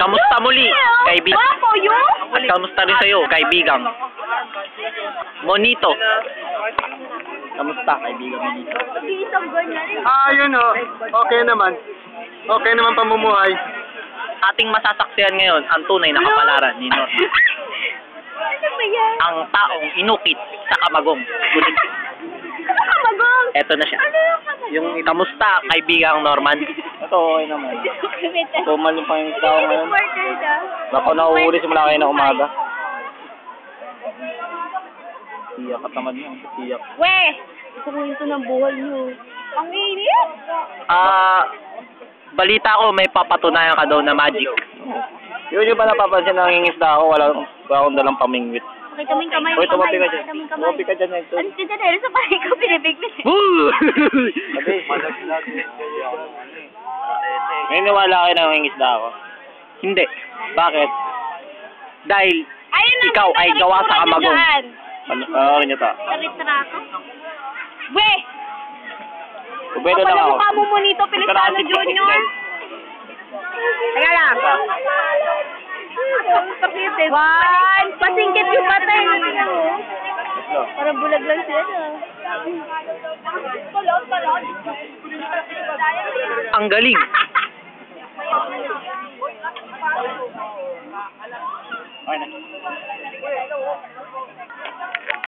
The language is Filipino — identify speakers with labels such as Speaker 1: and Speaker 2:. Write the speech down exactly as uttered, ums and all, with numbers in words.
Speaker 1: kamusta muli, kaibigan?
Speaker 2: Wapo yun?
Speaker 1: At kamusta rin sa'yo, kaibigang? Monito. Kamusta, kaibigan Monito?
Speaker 2: Isang ganyan.
Speaker 3: Ah, yun o. Okay naman. Okay naman pamumuhay.
Speaker 1: Ating masasaksihan ngayon ang tunay na kapalaran ni Norman.
Speaker 2: Ano ba yan?
Speaker 1: Ang taong inukit sa kamagong. Gulig.
Speaker 2: Ano ka magong?
Speaker 1: Eto na siya.
Speaker 2: Ano yung kamagong?
Speaker 1: Yung kamusta, kaibigang Norman? Ito, okay naman. Tumal yung pangingis ako ngayon.
Speaker 2: Reporter daw.
Speaker 1: Bako nauhuli simula kayo na umaga. Tiyak at tamad mo. Tiyak.
Speaker 2: Weh! Gusto ko ito ng buhay niyo. Ang init!
Speaker 1: Ah, balita ko may papatunayan ka daw na magic. Yun yung pa napapansin na nangingisda ako, wala, wala akong dalang pamingwit.
Speaker 2: Pakita mo yung kamay.
Speaker 1: Uy, tumapi ka dyan.
Speaker 2: Pakita mo yung kamay.
Speaker 1: Tumapi ka dyan. Ito.
Speaker 2: Ano si Janelle sa pahay ko pinibiglis?
Speaker 1: Woo! May niwala kayo na nangingisda ako? Hindi. Bakit? Dahil
Speaker 2: Ayun na,
Speaker 1: ikaw ay gawa sa kamagong.
Speaker 2: dyan.
Speaker 1: Ano, ano niyo ta?
Speaker 2: Sa litrato. Weh!
Speaker 1: Kubedo lang
Speaker 2: Kapag
Speaker 1: ako.
Speaker 2: mukha mo mo nito, Pilistano Junior. Teka lang. One! Pasingkit yung patay. Parang bulag lang siya.
Speaker 1: Ang galing.
Speaker 3: Okay na.